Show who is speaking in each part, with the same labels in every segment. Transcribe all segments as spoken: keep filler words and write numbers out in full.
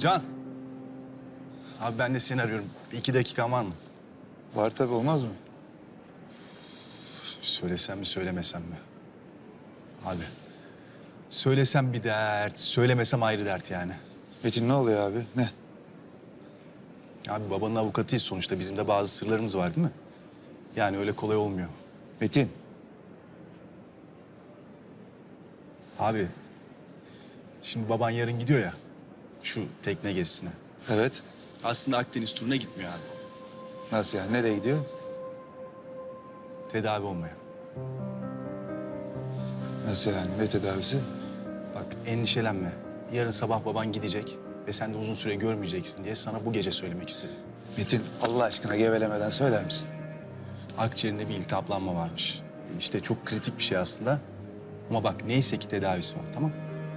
Speaker 1: Can. Abi ben de seni arıyorum. Bir iki dakikan var mı?
Speaker 2: Var tabii, olmaz mı?
Speaker 1: Söylesem mi söylemesem mi? Abi. Söylesem bir dert, söylemesem ayrı dert yani.
Speaker 2: Metin ne oluyor abi? Ne?
Speaker 1: Abi babanın avukatıyız sonuçta. Bizim de bazı sırlarımız var değil mi? Yani öyle kolay olmuyor.
Speaker 2: Metin.
Speaker 1: Abi. Şimdi baban yarın gidiyor ya. Şu tekne gezisine.
Speaker 2: Evet.
Speaker 1: Aslında Akdeniz turuna gitmiyor abi.
Speaker 2: Nasıl yani? Nereye gidiyor?
Speaker 1: Tedavi olmaya.
Speaker 2: Nasıl yani? Ne tedavisi?
Speaker 1: Bak endişelenme. Yarın sabah baban gidecek ve sen de uzun süre görmeyeceksin diye sana bu gece söylemek istedim.
Speaker 2: Metin, Allah aşkına gevelemeden söyler misin?
Speaker 1: Akciğerinde bir iltihaplanma varmış. İşte çok kritik bir şey aslında. Ama bak neyse ki tedavisi var, tamam?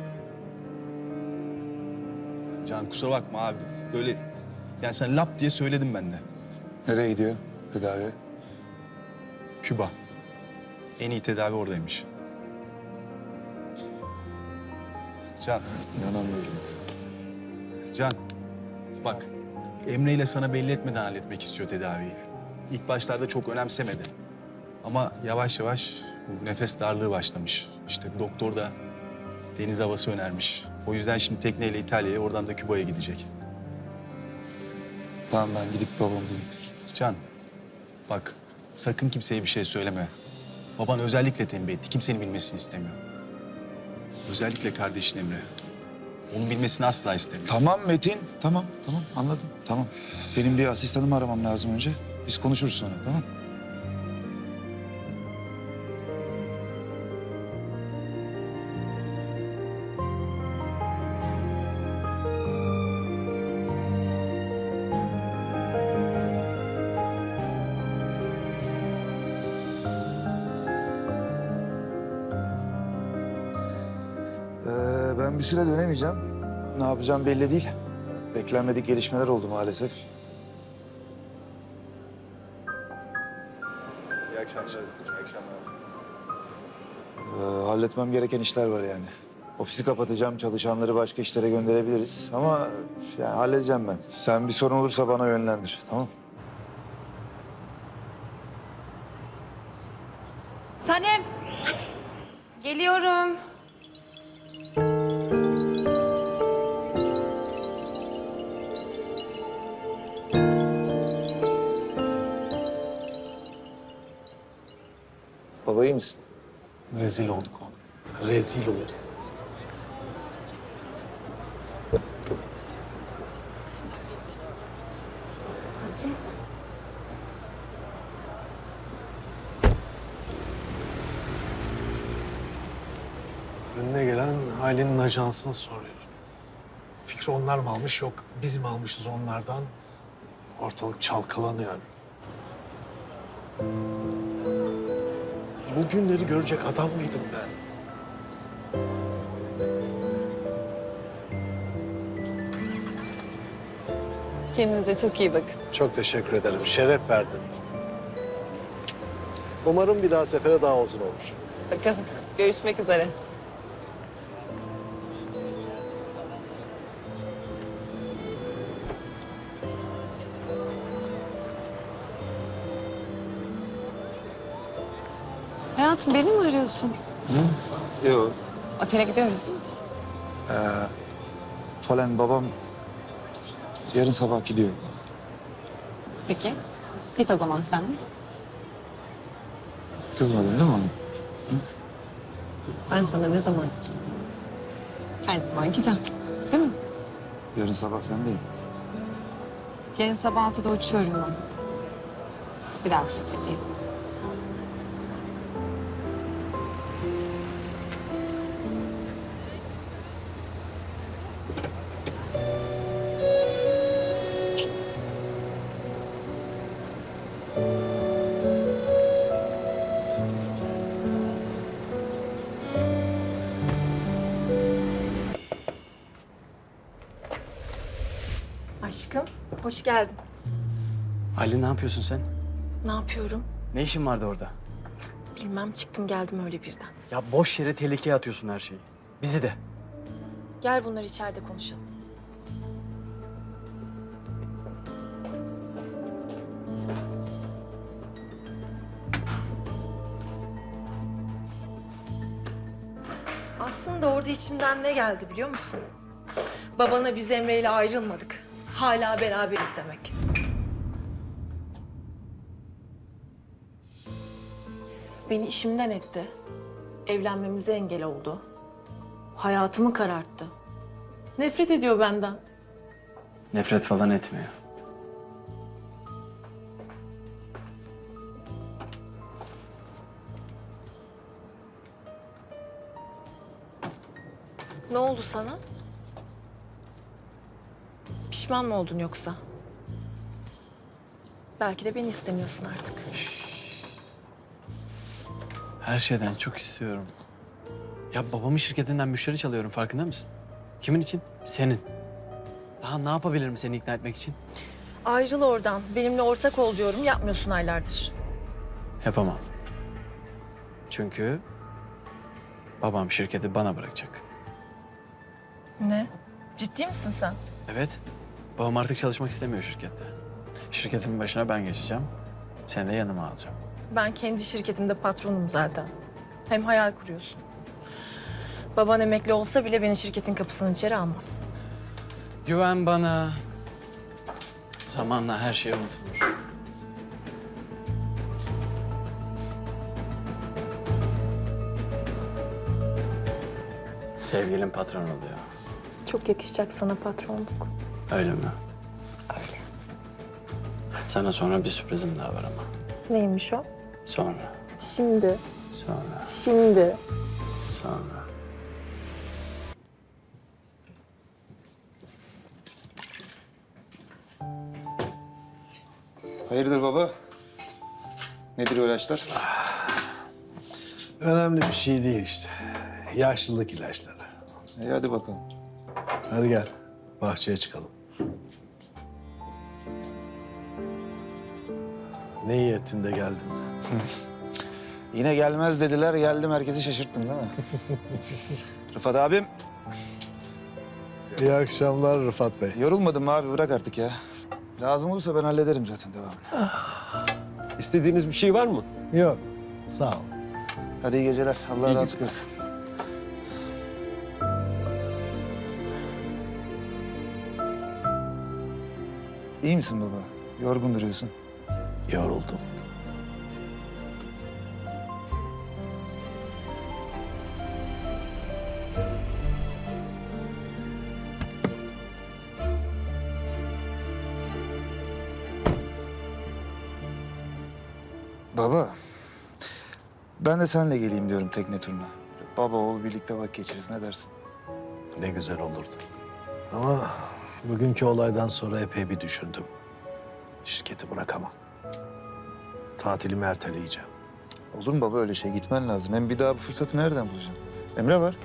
Speaker 1: Can kusura bakma abi. Böyle yani sen lap diye söyledim ben de.
Speaker 2: Nereye gidiyor tedavi?
Speaker 1: Küba. En iyi tedavi oradaymış. Can,
Speaker 2: İnanamıyorum.
Speaker 1: Can. Bak Emre ile sana belli etmeden halletmek istiyor tedaviyi. İlk başlarda çok önemsemedi. Ama yavaş yavaş bu nefes darlığı başlamış. İşte doktor da deniz havası önermiş. O yüzden şimdi tekneyle İtalya'ya, oradan da Küba'ya gidecek.
Speaker 2: Tamam, ben gidip babamı bulayım.
Speaker 1: Can, bak sakın kimseye bir şey söyleme. Baban özellikle tembih etti. Kimsenin bilmesini istemiyor. Özellikle kardeşin Emre. Onun bilmesini asla istemiyor.
Speaker 2: Tamam Metin, tamam, tamam anladım, tamam. Benim bir asistanımı aramam lazım önce. Biz konuşuruz sonra, tamam? Ee, ben bir süre dönemeyeceğim. Ne yapacağım belli değil. Beklenmedik gelişmeler oldu maalesef.
Speaker 1: İyi akşamlar. İyi akşamlar.
Speaker 2: Ee, halletmem gereken işler var yani. Ofisi kapatacağım, çalışanları başka işlere gönderebiliriz. Ama yani halledeceğim ben. Sen bir sorun olursa bana yönlendir, tamam?
Speaker 3: Sanem, hadi. Geliyorum.
Speaker 2: Baba iyi misin?
Speaker 1: Rezil olduk oğlum. Rezil olduk.
Speaker 3: Hadi.
Speaker 4: Önüne gelen ailenin ajansını soruyor. Fikri onlar mı almış, yok biz mi almışız onlardan? Ortalık çalkalanıyor. Bu günleri görecek adam mıydım ben?
Speaker 3: Kendinize çok iyi bakın.
Speaker 4: Çok teşekkür ederim, şeref verdin. Umarım bir daha sefere daha uzun olur.
Speaker 3: Bakalım. Görüşmek üzere. Hayatım beni mi arıyorsun?
Speaker 2: Yok.
Speaker 3: Otele gidiyoruz değil mi?
Speaker 2: Falan babam yarın sabah gidiyor.
Speaker 3: Peki. Git o zaman sen de.
Speaker 2: Kızmadın değil mi ona?
Speaker 3: Ben sana ne zaman kızdım? Her zaman gideceğim. Değil mi?
Speaker 2: Yarın sabah sendeyim.
Speaker 3: Yarın sabah altıda uçuyorum ben. Bir daha seferdeyim.
Speaker 5: Aşkım, hoş geldin.
Speaker 6: Ali ne yapıyorsun sen?
Speaker 5: Ne yapıyorum?
Speaker 6: Ne işin vardı orada?
Speaker 5: Bilmem, çıktım geldim öyle birden.
Speaker 6: Ya boş yere tehlikeye atıyorsun her şeyi. Bizi de.
Speaker 5: Gel bunları içeride konuşalım. orada içimden ne geldi biliyor musun? Babana biz Emre ile ayrılmadık. Hala beraberiz demek. Beni işimden etti. Evlenmemize engel oldu. Hayatımı kararttı. Nefret ediyor benden.
Speaker 6: Nefret falan etmiyor.
Speaker 5: Ne oldu sana? Pişman mı oldun yoksa? Belki de beni istemiyorsun artık.
Speaker 6: Her şeyden çok istiyorum. Ya babamın şirketinden müşteri çalıyorum, farkında mısın? Kimin için? Senin. Daha ne yapabilirim seni ikna etmek için?
Speaker 5: Ayrıl oradan. Benimle ortak ol diyorum. Yapmıyorsun aylardır.
Speaker 6: Yapamam. Çünkü babam şirketi bana bırakacak.
Speaker 5: Ne? Ciddi misin sen?
Speaker 6: Evet. Babam artık çalışmak istemiyor şirkette. Şirketin başına ben geçeceğim. Seni de yanıma alacağım.
Speaker 5: Ben kendi şirketimde patronum zaten. Hem hayal kuruyorsun. Baban emekli olsa bile beni şirketin kapısının içeri almaz.
Speaker 6: Güven bana. Zamanla her şey unutulur. Sevgilim patron oluyor.
Speaker 5: Çok yakışacak sana patronluk.
Speaker 6: Öyle mi?
Speaker 5: Öyle.
Speaker 6: Sana sonra bir sürprizim daha var ama.
Speaker 5: Neymiş o?
Speaker 6: Sonra,
Speaker 5: Şimdi.
Speaker 6: sonra,
Speaker 5: Şimdi.
Speaker 6: sonra.
Speaker 2: Hayırdır baba? Nedir o ilaçlar?
Speaker 4: Önemli bir şey değil işte. Yaşlılık ilaçları.
Speaker 2: İyi hadi bakalım.
Speaker 4: Hadi gel, bahçeye çıkalım. Ne iyi ettin de geldin.
Speaker 2: Yine gelmez dediler, geldim herkesi şaşırttım değil mi? Rıfat abim,
Speaker 4: İyi akşamlar Rıfat Bey.
Speaker 2: yorulmadın mı abi? Bırak artık ya. Lazım olursa ben hallederim zaten devamını.
Speaker 7: İstediğiniz bir şey var mı?
Speaker 4: Yok, sağ ol.
Speaker 2: Hadi iyi geceler. Allah
Speaker 7: İyi
Speaker 2: rahatlık versin. İyi misin baba? Yorgun duruyorsun.
Speaker 4: Yoruldum.
Speaker 2: Baba, ben de seninle geleyim diyorum tekne turuna. Baba oğul birlikte vakit geçiririz. Ne dersin?
Speaker 4: Ne güzel olurdu. Ama bugünkü olaydan sonra epey bir düşündüm. Şirketi bırakamam. Tatilimi erteleyeceğim.
Speaker 2: Olur mu baba öyle şey? Gitmen lazım. Hem bir daha bu fırsatı nereden bulacaksın? Emre var.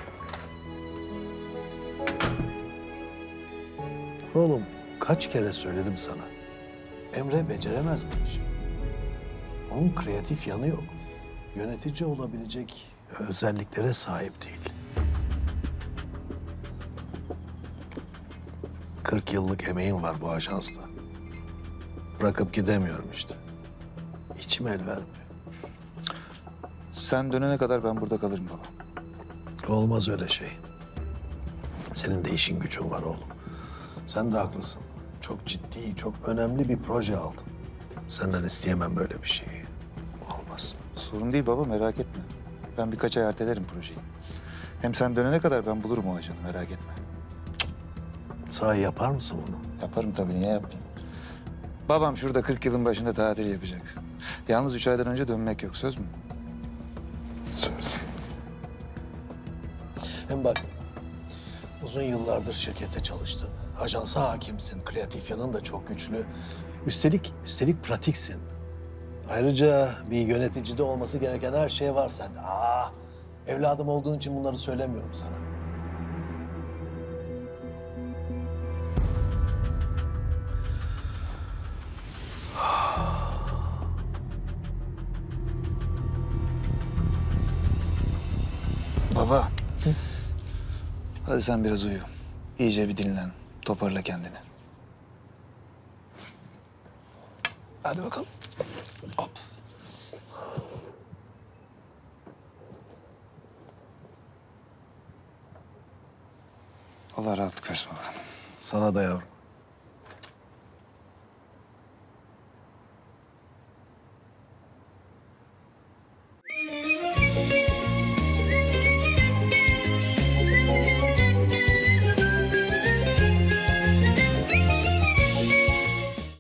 Speaker 4: Oğlum kaç kere söyledim sana. Emre beceremez bu işi. Onun kreatif yanı yok. Yönetici olabilecek özelliklere sahip değil. Kırk yıllık emeğim var bu ajansta. Bırakıp gidemiyorum işte. İçim el vermiyor.
Speaker 2: Sen dönene kadar ben burada kalırım baba.
Speaker 4: Olmaz öyle şey. Senin de işin gücün var oğlum. Sen de haklısın. Çok ciddi, çok önemli bir proje aldım. Senden isteyemem böyle bir şeyi. Olmaz.
Speaker 2: Sorun değil baba merak etme. Ben birkaç ay ertelerim projeyi. Hem sen dönene kadar ben bulurum o ajanı merak etme.
Speaker 4: Sahi yapar mısın bunu?
Speaker 2: Yaparım tabii niye yapmayayım? Babam şurada kırk yılın başında tatil yapacak. Yalnız üç aydan önce dönmek yok söz mü?
Speaker 4: Söz. Hem bak, uzun yıllardır şirkette çalıştın. Ajansa hakimsin, kreatif yanın da çok güçlü. Üstelik, üstelik pratiksin. Ayrıca bir yöneticide olması gereken her şey var sende. Aa, evladım olduğun için bunları söylemiyorum sana.
Speaker 2: Baba. Hadi sen biraz uyu. İyice bir dinlen. Toparla kendini. Hadi bakalım. Hop. Allah rahatlık versin baba.
Speaker 4: Sana da yavrum.